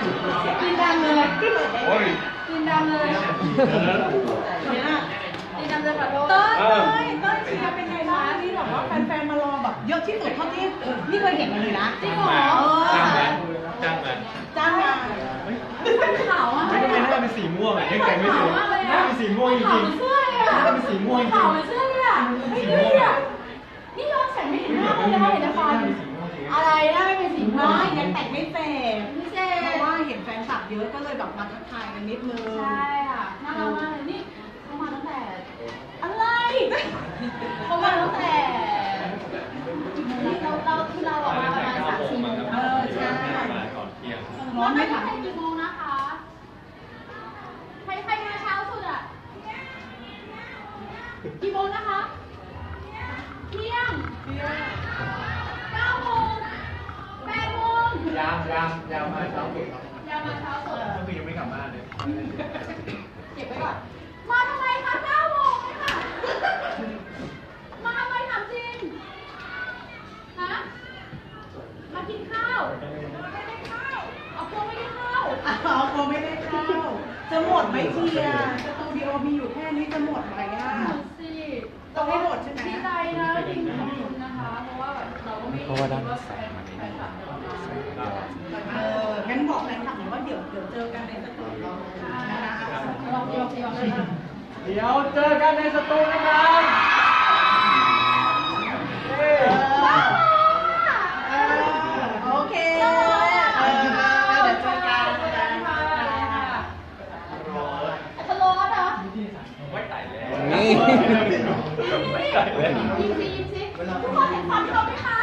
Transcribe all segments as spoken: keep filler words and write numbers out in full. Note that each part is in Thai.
กินดำเลยกินดำเลยกินดำเลยขอโทษเต้ยเต้ยเต้ยเชียร์เป็นไงบ้างนี่แบบว่าแฟนๆมารอแบบเยอะที่สุดเท่าที่นี่เคยเห็นมาเลยนะจริงเหรอจ้างมาจ้างมาจ้างมาขาวอ่ะไม่ไม่น่าเป็นสีม่วงอ่ะยังแต่งไม่ถึงน่าเป็นสีม่วงจริงๆเสื้ออ่ะน่าเป็นสีม่วงจริงๆขาวเสื้ออ่ะไม่เสื้อนี่ย้อนแสงไม่เห็นหน้าเลยนะเห็นแต่ฟันอะไรนะไม่เป็นสีม่วงยังแต่งไม่เสร็จไม่เสร็จเพราะว่าเห็นแฟนคลับเยอะก็เลยแบบมาทักทายกันนิดนึงใช่อ่ะน่ารักมากเลยนี่เขามาตั้งแต่อะไรเขามาตั้งแต่เราเราคือเราออกมาประมาณสามสี่โมงเออใช่ร้อนไม่ทันกี่โมงนะคะใครใครมาเช้าสุดอ่ะกี่โมงนะคะเที่ยงเก้าโมงแปดโมงยามยามยามมาเช้าสุดยามมาเช้าสุดก็คือยังไม่กลับบ้านเลยเก็บไว้ก่อนมาทำไมคะเก้าโมงเลยค่ะมาทำไมถามจริงฮะมากินข้าวไม่ได้ข้าวเอาโกไม่ได้ข้าวเอาโกไม่ได้ข้าวจะหมดไหมเชียร์สตูดิโอมีอยู่แค่นี้จะหมดไหมอ่ะสิต้องให้หมดใช่ไหมดีใจนะจริงขอบคุณนะคะเพราะว่าแบบเราก็ไม่รู้ว่าแฟนแฟนคลับเราเอองั้นบอกแฟนคลับหน่อยว่าเดี๋ยวเดี๋ยวเจอกันในสตูเรานะคะลองลองลองเลยนะเดี๋ยวเจอกันในสตูนะครับโอเคเดี๋ยวเจอกันทะเลาะเหรอไม่ไต่แล้วนี่ยิ้มสิยิ้มสิทุกคนเห็นความเขาไหมคะ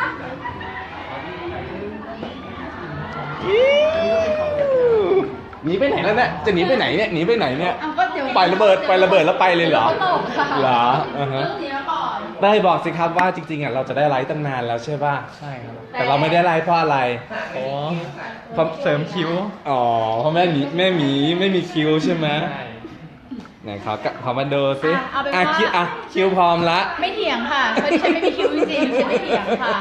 หนีไปไหนแล้วเนี่ยจะหนีไปไหนเนี่ยหนีไปไหนเนี่ยปล่อยระเบิดปล่อยระเบิดแล้วไปเลยเหรอเหรออ่าฮะได้บอกสิครับว่าจริงๆอ่ะเราจะได้ไลฟ์ตั้งนานแล้วใช่ป่ะใช่ครับแต่เราไม่ได้ไลฟ์เพราะอะไรอ๋อเพราะเสริมคิ้วอ๋อเพราะแม่หมีแม่หมีไม่มีคิ้วใช่ไหมไหนเขาเขามาดูสิอ่ะคิ้วอ่ะคิ้วพร้อมละไม่เถียงค่ะเพราะดิฉันไม่มีคิ้วจริงๆฉันไม่เถียงค่ะ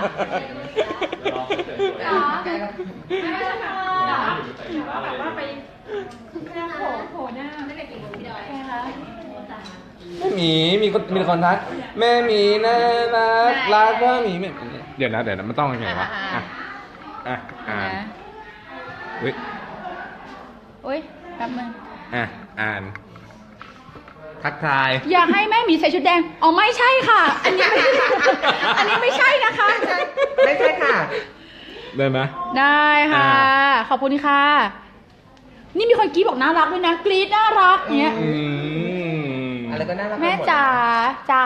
ไม่ไม่ค่ะแบบว่าไปหน้าโผล่โผล่หน้าไม่ได้กินหมูพี่ดอยใช่ไหมคะแม่หมีมีคนมีคนทักแม่หมีน่ารักรักแม่หมีเดี๋ยวนะเดี๋ยวนะมันต้องยังไงวะอ่ะอ่ะอ่านอุ้ยอุ้ยแป๊บนึงอ่ะอ่านทักทายอยากให้แม่หมีใส่ชุดแดงอ๋อไม่ใช่ค่ะอันนี้ไม่อันนี้ไม่ใช่นะคะไม่ใช่ค่ะได้ไหมได้ค่ะขอบคุณค่ะนี่มีคนกรี๊ดบอกน่ารักด้วยนะกรี๊ดน่ารักเนี้ยอะไรก็น่ารักแม่จ๋าจ๋า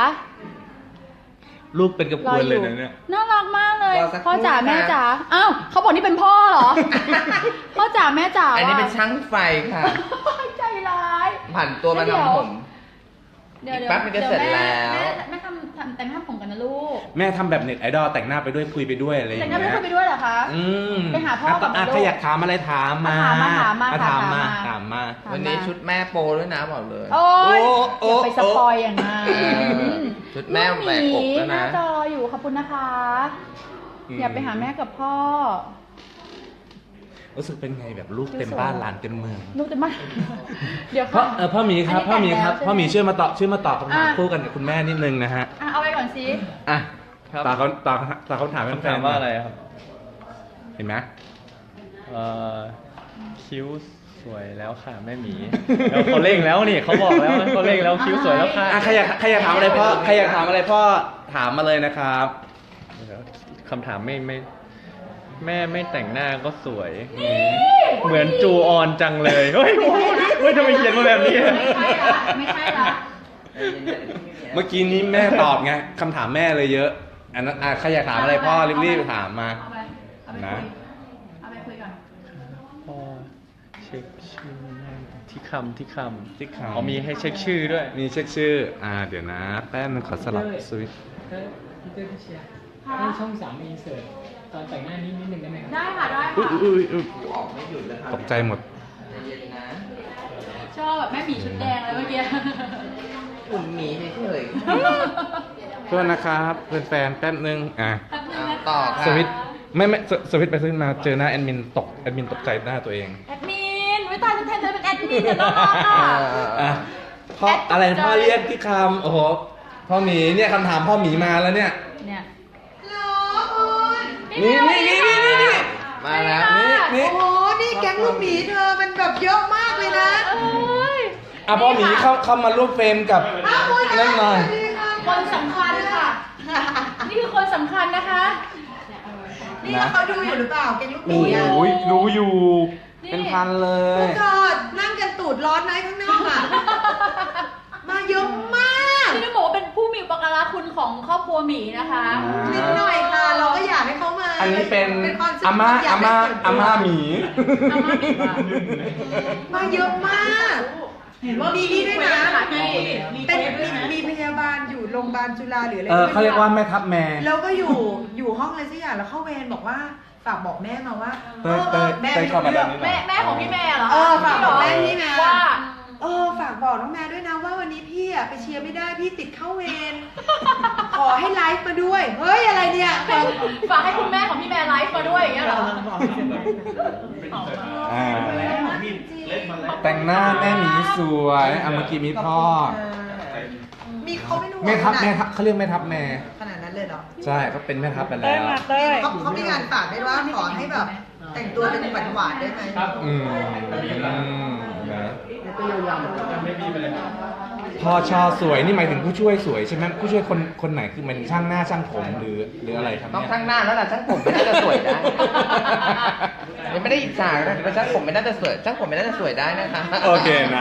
ลูกเป็นกระพวนเลยนะเนี่ยน่ารักมากเลยพ่อจ๋าแม่จ๋าอ้าวเขาบอกนี่เป็นพ่อเหรอพ่อจ๋าแม่จ๋าอันนี้เป็นช่างไฟค่ะใจร้ายผ่านตัวมาทำผมเดี๋ยวแป๊บมันจะเสร็จแล้วแม่ทำทำแต่งหน้าผมกันนะลูกแม่ทำแบบเน็ตไอดอลแต่งหน้าไปด้วยคุยไปด้วยอะไรอย่างเงี้ยแต่งหน้าไปคุยไปด้วยเหรอคะอืมไปหาพ่อกับลูกใครอยากถามอะไรถามมาถามมาถามมาถามมาถามมาวันนี้ชุดแม่โปด้วยนะบอกเลยโอ้ยอย่าไปสปอยอย่างนั้นชุดแม่แหวกอกแล้วนะจออยู่ขอบคุณนะคะอย่าไปหาแม่กับพ่อรู้สึกเป็นไงแบบลูกเต็มบ้านหลานเต็มเมืองลูกเต็มบ้านเดี๋ยวพ่อเออพ่อหมีครับพ่อหมีครับพ่อหมีช่วยมาตอบช่วยมาตอบคำถามคู่กันกับคุณแม่นิดนึงนะฮะเอาไปก่อนสิอ่ะตาเขาตาตาเขาถามแฟนว่าอะไรครับเห็นไหมเอ่อคิ้วสวยแล้วค่ะแม่หมีแล้วเขาเร่งแล้วนี่เขาบอกแล้วเขาเร่งแล้วคิ้วสวยแล้วค่ะใครอยากใครอยากถามอะไรพ่อใครอยากถามอะไรพ่อถามมาเลยนะครับคำถามไม่ไม่แม่ไม่แต่งหน้าก็สวยเหมือนจูออนจังเลยเฮ้ยเฮ้ยทำไมเขียนมาแบบนี้ไม่ใช่ละเมื่อกี้นี้แม่ตอบไงคำถามแม่เลยเยอะอันนั้นอ่ะใครอยากถามอะไรพ่อรีบๆถามมานะเอาไปคุยก่อนพ่อเช็คชื่อแม่ที่คำที่คำที่คำอ๋อมีให้เช็คชื่อด้วยมีเช็คชื่ออ่าเดี๋ยวนะแป๊บนึงขอสลับสวิตช์พี่เต้พี่เชียร์ให้ช่องสามมีเสิร์ฟตอนแต่งหน้านิดนิดนึงได้ไหมครับได้ค่ะได้ค่ะอุ้ยอุ้ยออกไม่หยุดเลยครับตกใจหมดชอบแบบแม่หมีชุดแดงเลยเมื่อกี้อุ่นหมีเฉยๆเพื่อนนะครับเพื่อนแฟนแป๊บนึงอ่ะต่อสวิตช์ไม่ไม่สสวิตช์ไปสวิตช์มาเจอหน้าแอดมินตกแอดมินตกใจหน้าตัวเองแอดมินไม่ตายจะแทนเธอเป็นแอดมินเดี๋ยวน้องรักอ่ะอ่ะพ่ออะไรพ่อเรียกที่คำโอ้โหพ่อหมีเนี่ยคำถามพ่อหมีมาแล้วเนี่ยเนี่ยนี่นี่นี่นี่นี่นี่มาแล้วนี่นี่โอ้โห นี่แก๊งลูกหมีเธอมันแบบเยอะมากเลยนะเอ้ยอ่ะพ่อหมีเข้าเข้ามาร่วมเฟรมกับนั่นหน่อยคนสำคัญค่ะ นี่คือคนสำคัญนะคะนี่เขาดูอยู่หรือเปล่า แก๊งลูกหมีโอ้อ่ะยรู้อยู่ เป็นพันเลพยวกเธอนั่งกันตูดร้อนไหมข้างนอกอ่ะ มาเยอะมากที่ต้องบอกว่าเป็นผู้มีอุปการะคุณของครอบครัวหมีนะคะนิดหน่อยค่ะ เราก็อยากให้เขามาอันนี้เป็นความสุขอาม่าอยอาก ม่าให้ส่วนตัวอาม่าหมีอาม่าหมีว่ะมาเยอะมาก เห็นว่ามีนี่ด้วยนะมีเป็นมีมีพยาบาลอยู่โรงพยาบาลจุฬาหรืออะไรเออเขาเรียกว่าแม่ทัพแม่แล้วก็อยู่อยู่ห้องอะไรสักอย่างแล้วเข้าเวรบอกว่าฝากบอกแม่มาว่าเต้ยเต้ยแม่เต้ยไม่เข้ารู้มาแบเรื่บองนี้หน่แม่อยแม่ของพี่แม่เหรอเออฝากบอกแม่พี่แม่ว่าเออฝากบอกน้องแม่ด้วยนะว่าวันนี้พี่อะไปเชียร์ไม่ได้พี่ติดเข้าเวร ขอให้ไลฟ์มาด้วย เฮ้ยอะไรเนี่ยฝากให้คุณแม่ของพี่แม่ไลฟ์มาด้วยอย่างเงี้ยเหรออ่าแต่งหน้าแม่หมีสวยอ่ะเมื่อกี้มีพ่อมีเขาไม่รู้แม่ทัพขนาดแม่ทัพเขาเรียกแม่ทัพแม่ขนาดนั้นเลยเหรอใช่เขาเป็นแม่ทัพไปแล้วเขาเขามีงานฝากด้วยว่าขอให้แบบ แต่งตัวเป็นหวานหวานๆได้ไหมอืมอืมนะยังไม่มีไปเลยพ่อชอสวยนี่หมายถึงผู้ช่วยสวยใช่ไหมผู้ช่วยคนคนไหนคือมันช่างหน้าช่างผมหรือหรืออะไรครับต้องเนี่ยช่างหน้าแล้วล่ะช่างผมไม่น่าจะสวยได้ยังไม่ได้อิจฉานะแต่ช่างผมไม่น่าจะสวยช่างผมไม่น่าจะสวยได้นะคะโอเคนะ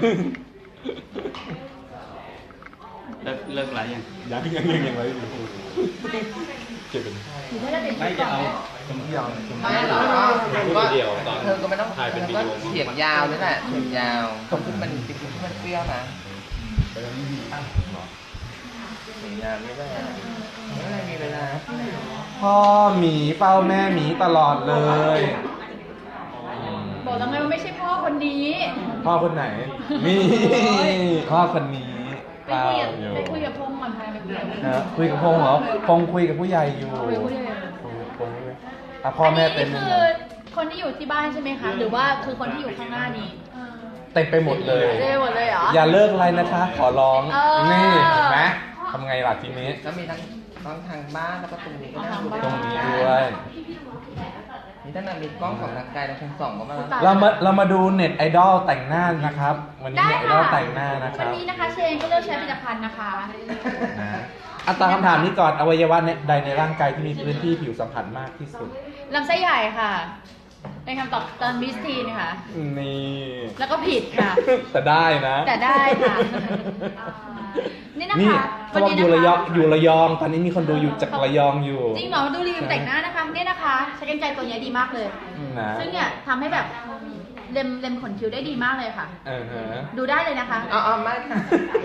เลิกเลิกไลฟ์ยังยังยังยังยังไว้อยู่เก็บเป็นไม่จะเอาไม่หรอกก็เธอก็ไม่ต้องเธอก็เสียงยาวนี่แหละเสียงยาวตรงที่มันติ๊กที่มันเปรี้ยวนะเสียงยาวไม่ได้ไม่ได้มีเวลาพ่อหมีเฝ้าแม่หมีตลอดเลยบอกแล้วไงว่าไม่ใช่พ่อคนนี้พ่อคนไหนนี่พ่อคนนี้ไปเฝ้าคุยกับอยู่ไปคุยกับพงษ์ก่อนพาไปคุยกับพงษ์นะคุยกับพงษ์เหรอพงษ์คุยกับผู้ใหญ่อยู่คุยกับผู้ใหญ่คุยกับพงษ์ด้วยอ่ะพ่อแม่เต็มอันไปนี้หมคือดคนที่อยู่ที่บ้านใช่ไหมคะ หรือว่าคือคนที่อยู่ข้างหน้านี้เต็มไปหมดเลยเต็มไปหมดเลยเหรออย่าเลิกไลน์นะคะ ขอร้องเออนี่เห็นไหมทำไงล่ะทีนี้ก็มีทั้งทั้งทางบ้านแล้วก็ตรงนี้ก็ได้ตรงนี้ด้วยมีทั้งมีกล้องของทางไกลและทางส่องก็มาแล้วเรามาเรามาดูเน็ตไอดอลแต่งหน้านะครับ วันนี้ได้เน็ตไอดอค่ะลแต่งหน้านะควัรันบนี้นะคะเชนก็เลือกใช้ผลิตภัณฑ์นะคะนะอ่ะตามคำถามนี้ก่อนอวัยวะใดในร่างกายที่มีพื้นที่ผิวสัมผัสมากที่สุดลำไส้ใหญ่ค่ะเป็นคำตอบตอนมิสทีนค่ะนี่แล้วก็ผิดค่ะแต่ได้นะแต่ได้ค่ะ นี่นะคะนี่เขาบอกวันอนี้ยู่ระนะยองคะอยู่ระยอง ตอนนี้มีคนดูอยู่จากระยองอยู่จริงเหรอดูรีวิวแต่งหน้านะคะเนี่ยนะคะใช้กรรไกรตัวเนี้ยดีมากเลยนะซึ่งเนี่ยทำให้แบบเล็มเล็มขนคิ้วได้ดีมากเลยค่ะเออฮะดูได้เลยนะคะเอาเอาไม่ค่ะ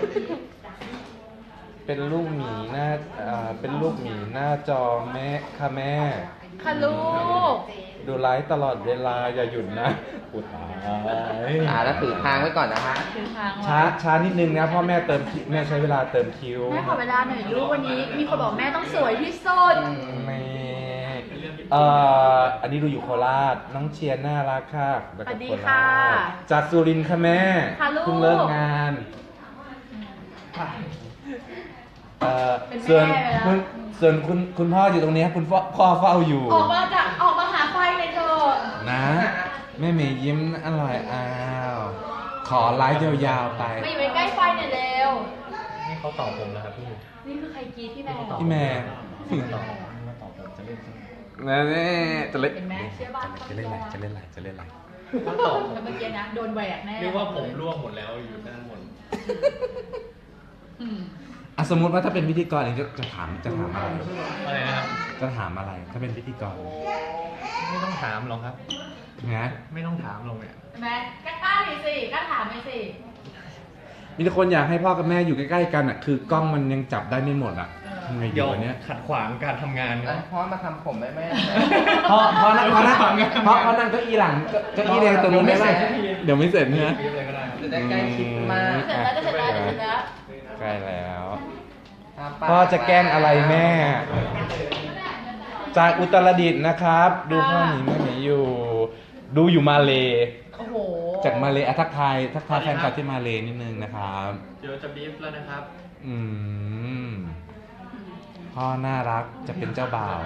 เป็นลูกหมีหน้าอ่าเป็นลูกหมีหน้าจอแม่ค่ะแม่ค่ะลูกดูไลฟ์ตลอดเวลาอย่าหยุดนะอุตายอ่าแล้วถือค้างไว้ก่อนนะคะคือทางช้าช้านิดนึงนะเพ่อแม่เติมคิวแม่ใช้เวลาเติมคิวแม่ขอเวลาหน่อยลูกวันนี้ มีคนบอกแม่ต้องสวยที่สุดไม่เอ่ออันนี้ดูอยู่โคราชน้องเชียร์น่ารักค่ะแล้วสก็วัสดีโคค่ะราชจากสุรินทร์ค่ะแม่ค่ะลูกเพิ่งเลิกงานเอ่อเป็นแม่ส่วนไปแล้วคุณส่วนคุณคุณพ่ออยู่ตรงนี้คุณพ่อพ่อเฝ้าอยู่ออกมาจากออกมาหาไฟเลยเถอะนะแม่เมย์ยิ้มอร่อยอ้าวขอไลฟ์ยาวๆไปมาอยู่ใกล้ๆไฟหน่อยเร็วนี่เขาตอบผมแล้วครับพี่นี่คือใครกรีดพี่แม่พี่แม่ตอบมาตอบผมจะเล่นนะนี่จะเล่นเห็นไหมเชื่อบ้านจะเล่นอะไรจะเล่นอะไรจะเล่นอะไรเขาตอบแล้วเมื่อกี้นะโดนแหวกแน่เรียกว่าผมร่วงหมดแล้วอยู่ด้านบนอืมอ่ะสมมติว่าถ้าเป็นพิธีกรเองจะจะถามจะถามอะไรอะไรนะครับจะถามอะไรถ้าเป็นพิธีกรไม่ต้องถามหรอกครับนะไม่ต้องถามหรอกเนี่ยเห็นไหมกล้าๆหน่อยสิกล้าถามหน่อยสิมีแต่คนอยากให้พ่อกับแม่อยู่ใกล้ๆกันอ่ะคือกล้องมันยังจับได้ไม่หมดอ่ะทำไงดีเดี๋ยววะเนี้ยขัดขวางการทำงานคแล้รัวบพ่อมาทำผมได้ไหมเพราะเพราะนั่งเพราะนั่งเพราะเพราะนั่งเก้าอี้หลังเก้าอี้แดงตรงนู้นได้ไหมเดี๋ยวไม่เสร็จนะรีบเลยก็ได้ครับจะได้ใกล้ชิดมากเสร็จแล้วจะเสร็จแล้วจะเสร็จแล้วใกล้แล้วอ่ะพ่อจะแกล้งอะไรแม่จากอุตรดิตถ์นะครับ ดูพ่อหนีแม่หนีอยู่ ดูอยู่มาเลโอ้โหจากมาเลอ่ะทักทายทักทายแฟนคลับที่มาเลนิดนึงนะครับเดี๋ยวจะบีฟแล้วนะครับอืมพ่อน่ารักจะเป็นเจ้าบ่าว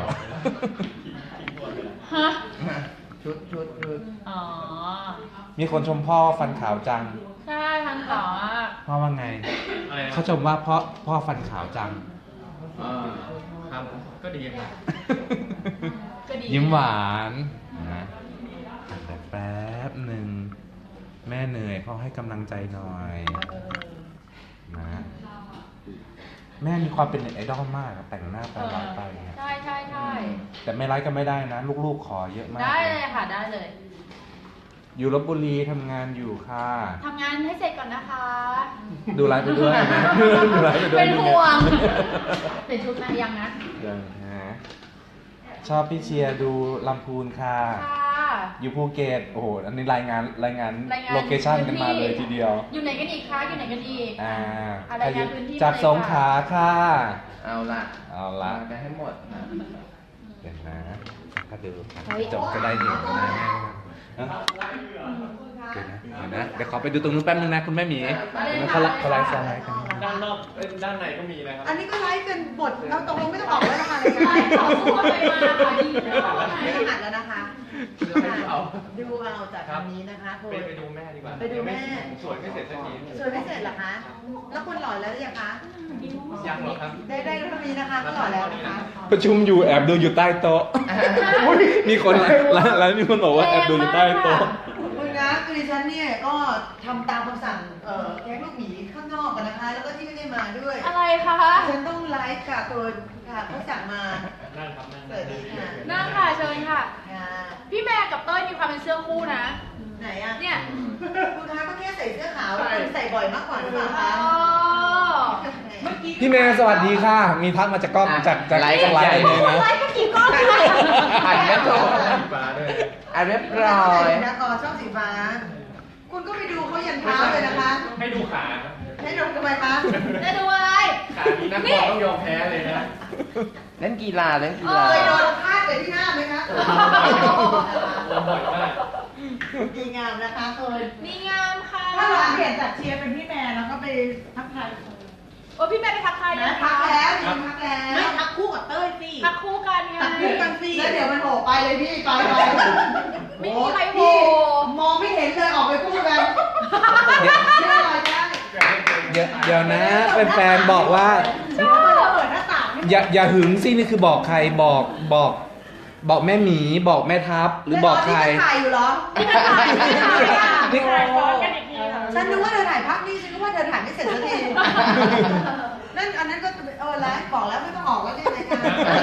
ฮะชุดชุดชุดอ๋อมีคนชมพ่อฟันขาวจังใช่ทันต่ออ่ะพ่อว่าไงอะไรนะเขาชมว่าพ่อพ่อฟันขาวจังอ่าครับ ก็ดีครับก็ดียิ้มหวานนะแต่แป๊บหนึ่งแม่เหนื่อยพ่อให้กำลังใจหน่อยนะแม่มีความเป็นเน็ตไอดอลมากอะแต่งหน้าไปไลฟ์ไปเนี่ยใช่ใช่ใช่แต่ไม่ไลฟ์ก็ไม่ได้นะ ลูกๆขอเยอะมากได้เลยค่ะได้เลยอยู่ลบบุรีทำงานอยู่ค่ะทำงานให้เสร็จก่อนนะคะดูไลฟ์ไปด้วยนะดูไลฟ์ไปด้วยเป็นห่วง เป็นชุดนะยังนะยังนะชอบพี่เชียร์ดูลำพูนค่ะค่ะอยู่ภูเก็ตโอ้โหอันนี้รายงานรายงานรายงานโลเคชั่นกันมาเลยทีเดียวอยู่ไหนกันอีกคะอยู่ไหนกันอีกอ่าอะไรงานพื้นที่จากมาเลยสงขลาค่ะเอาละเอาละไปให้หมดนะเดี๋ยวนะถ้าดูครับเฮ้ยจบจะได้เห็นนะแม่นะเดี๋ยวนะเดี๋ยวนะเดี๋ยวขอไปดูตรงนู้นแป๊บนึงนะคุณแม่หมีเขาไลฟ์เขาไลฟ์สไลด์กันด้านนอกเอ้ยด้านในก็มีนะครับอันนี้ก็ไลฟ์กันหมดเราตกลงไม่ต้องออกแล้วนะคะรายการไลฟ์ต่อสู้กันไปมาค่ะดีเลยไม่ต้องอัดแล้วนะคะเอาดูเอาจากทางนี้นะคะคุไปณไปดูแม่ดีกว่าไปดูแม่ผมสวยไม่เสร็จสักทีสวยไม่เสร็จเหรอคะ แล้วคุณหล่อแล้วหรือยังคะยังหรอครับได้ได้เท่านี้นะคะก็หล่อแล้วนะคะประชุมอยู่แอบดูอยู่ใต้โต๊ะอุ๊ยมีคนแล้วแล้วมีคนบอกว่าแอบดูอยู่ใต้โต๊ะคุณนะคือดิฉันเนี่ยก็ทำตามคำสั่งเอ่อแก๊งลูกหมีข้างนอกกันนะคะ แล้วก็ที่ไม่ได้มาด้วยอะไรคะฉันต้องไลฟ์ค่ะตัวค่ะเขาสั่งมานั่งครับนั่งสวัสดีค่ะนั่งค่ะเชิญค่ะค่ะพี่แม่กับเต้ยมีความเป็นเสื้อคู่นะไหนอ่ะเนี่ยคุณคะก็แค่ใส่เสื้อขาวคุณใส่บ่อยมากกว่าหรือเปล่าคะอ๋อพี่เมย์สวัสดีค่ะ มีทักมาจากกล้องจากจากไลฟ์กันไลใหญ่ฟ์เลยนะไลฟ์กันกี่กล้องคะอ่านไม่จบฟ้าด้วยอ่านเรียบร้อยนะอ๋อชอบสีฟ้า คุณก็ไปดูเขายันเท้าเลยนะคะให้ดูขาครับให้ดูทำไมคะจะดูอะไรขานี้นักบอลต้องยอมแพ้เลยนะเล่นกีฬาเล่นกีเอฬาเคยโดนพาดไปที่หน้าไหมคะโดนบ่อยมากดีงามนะคะเคยนี่งามค่ะถ้าเราเปลี่ยนจากเชียร์เป็นพี่แมนแล้วก็ไปทักทายโอ้พี่แม่ไปทักทายนะนะทัคะกแล้วจริงทักแล้วไม่ทักคู่กับเต้ยสิทักคู่กันไงทักคู่กันสิแล้วเดี๋ยวมันโหไปเลยพี่ไปไปไม่มีใครโหพี่มองไม่เห็นเลยออกไปคู่กันเชื่ออะไรได้เดี๋ยวเดี๋ยวนะแฟนๆบอกว่าชอบเปิดหน้าต่างให้อย่าอย่าหึงสินี่คือบอกใครบอกบอก บอกแม่หมีบอกแม่ทัพหรือบอกใครนี่ถ่ายอยู่เหรอนี่ก็ถ่ายนี่ถ่ายอ่ะนี่ถ่ายซ้อนกันอีกทีค่ะฉันนึกว่าเธอถ่ายภาพนี่ฉันนึกว่าเธอถ่ายไม่เสร็จสักทีนั่นอันนั้นก็เออไลฟ์บอกแล้วไม่ต้องออกแล้วใช่ไหมคะ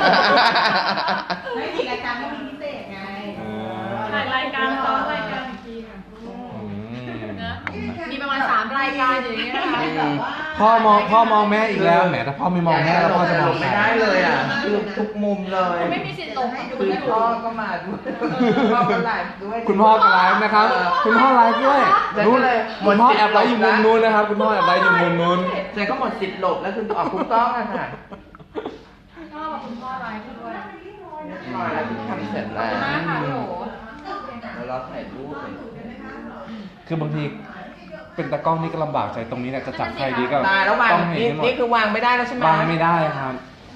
ไม่มีรายการไม่มีพิเศษไงถ่ายรายการซ้อนรายการอีกทีค่ะอืมนะมีประมาณสามรายการอย่างเงี้ยนะคะแบบว่าพ่อมองพ่อมองแม่อีกแล้วแหมถ้าพ่อไม่มองแม่แล้วพ่อจะมองใครไม่ได้เลยอ่ะคือทุกมุมเลยไม่มีสิทธิ์หลงคือพ่อก็มาด้วยพ่อก็ไลฟ์ด้วยคุณพ่อก็ไลฟ์นะครับ คุณพ่อไลฟ์ด้วยแล้วนู้ก็นเลยคุณพ่อแอบไลฟ์อยู่มุมนู้นนะครับ คุณพ่อแอบไลฟ์อยู่มุมนู้นเจก็หมดสิทธิ์หลบแล้วคือออกคุณต้องอะค่ะชอบกับคุณพ่อไลฟ์ด้วยพอแล้วทำเสร็จขอบแล้วคุณมากค่ะโหแล้วเราถ่ายรูปคือบางทีเป็นตากล้องนี่ก็ลำบากใจตรงนี้เนี่ยจะจับใครดีก็ตายแล้ววางต้องเห็นนี่ให้หมดนี่คือวางไม่ได้แล้วใช่ไหมวางไม่ได้ครับ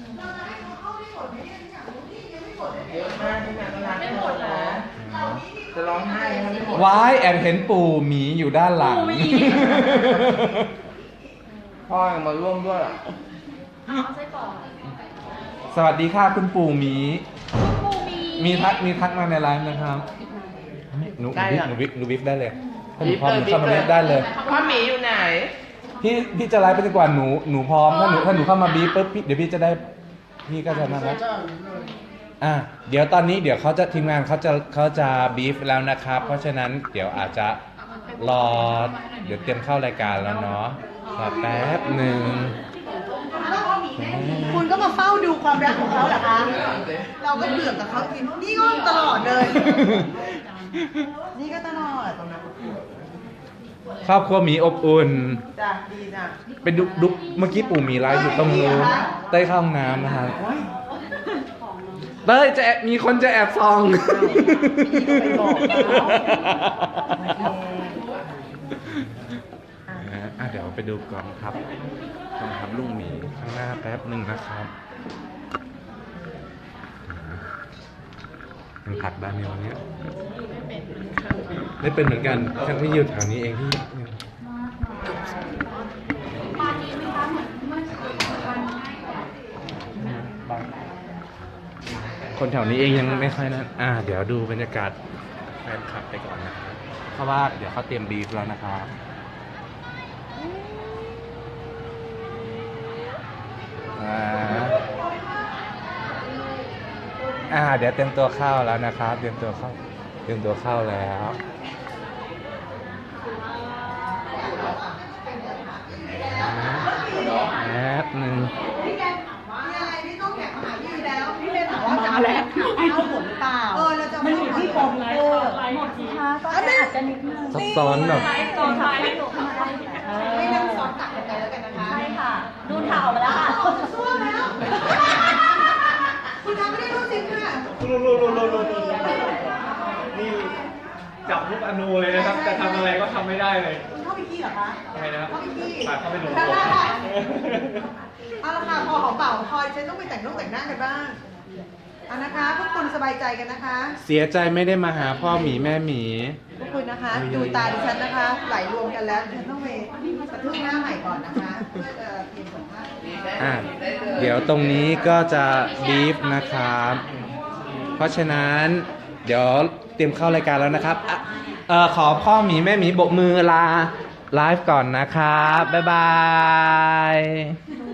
เยอะมากใช่ไหมไม่หมดนะจะร้องไห้นะไม่หมดว้ายแอบเห็นปู่หมีอยู่ด้านหลังปู่หมีพ่อยังมาร่วมด้วยเอาไส้กรอกสวัสดีค่ะคุณปู่หมีปู่หมีมีทักมีทักมาในไลฟ์นะครับหนูหนูวิฟหนูวิฟได้เลยถ้าหนูพร้อมหนูเข้ามาเล่นได้เลยพ่อหมีอยู่ไหนพี่พี่จะไลฟ์ไปดีกว่าหนูหนูพร้อมถ้าหนูถ้าหนูเข้ามาบีบปุ๊บพี่เดี๋ยวพี่จะได้พี่ก็จะนั่นแล้วอ่ะเดี๋ยวตอนนี้เดี๋ยวเขาจะทีมงานเขาจะเขาจะบีฟแล้วนะครับ เพราะฉะนั้นเดี๋ยวอาจจะรอเดี๋ยวเตรียมเข้ารายการแล้วเนาะรอแป๊บหนึ่งคุณก็มาเฝ้าดูความรักของเขาเหรอคะ เราก็เบื่อกับเขาจริงนี่ก็ตลอดเลย นี่ก็ตลอดครอบครัวหมีอบอุ่นจ้ะดีจ้ะเป็นดุดุเมื่อกี้ปู่หมีไลฟ์อยู่ตรงนู้นใต้เข้าห้องน้ำนะครับเต้ยจะแอบมีคนจะแอบส่องไปบอกเขาอ่ะเดี๋ยวไปดูกองทัพกองทัพลุงหมีข้างหน้าแป๊บหนึ่งนะครับยังผัดบ้านในวันนี้ได้เป็นเหมือนกันฉันที่อยู่แถวนี้เองที่คนแถวนี้เองยังไม่ค่อยนั้นอ่าเดี๋ยวดูบรรยากาศแฟนคลับไปก่อนนะครับเพราะว่าเดี๋ยวเขาเตรียมบีฟแล้วนะครับอ่าอ่าเดี๋ยวเตรียมตัวเข้าแล้วนะครับเตรียมตัวเข้าเตรียมตัวเข้าแล้วแป๊บหนึ่งพี่แกถามว่าอะไรพี่ต้องแข่งมาหาพี่แล้วพี่เลยถามว่ามาแล้วเอาผลหรือเปล่าเออเราจะมันอยู่ที่กองไลฟ์หมดสิคะก็อาจจะนิดนึงซับซ้อนแบบก่อนไลฟ์ไม่ถูกค่ะไม่นั่งซ้อนตักกันไปแล้วกันนะคะใช่ค่ะ ดูข่าวมาแล้วค่ะออกจากซ่วมแล้วคุณทำไม่ได้รู้สิค่ะรู้รู้รู้รู้รู้นี่จับลูกอนูเลยนะครับจะทำอะไรก็ทำไม่ได้เลยคุณเข้าไปขี้เหรอคะทำไมนะครับเข้าไปขี้ปากเข้าไปหนูเอาละค่ะพอหอมเป่าคอยฉันต้องไปแต่งนุ่งแต่งหน้ากันบ้างเอานะคะพวกคุณสบายใจกันนะคะเสียใจไม่ได้มาหาพ่อหมีแม่หมีพวกคุณนะคะ ดูตาดิฉันนะคะ ไหลรวมกันแล้วดิฉันต้องไปกระทุ้งหน้าใหม่ก่อนนะคะเพื่อจะเตรียมสัมภาษณ์อ่ะเดี๋ยวตรงนี้ก็จะบีฟนะครับ เพราะฉะนั้นเดี๋ยวเตรียมเข้ารายการแล้วนะครับอ่ะเอ่อขอพ่อหมีแม่หมีโบกมือลาไลฟ์ก่อนนะครับ บ๊ายบาย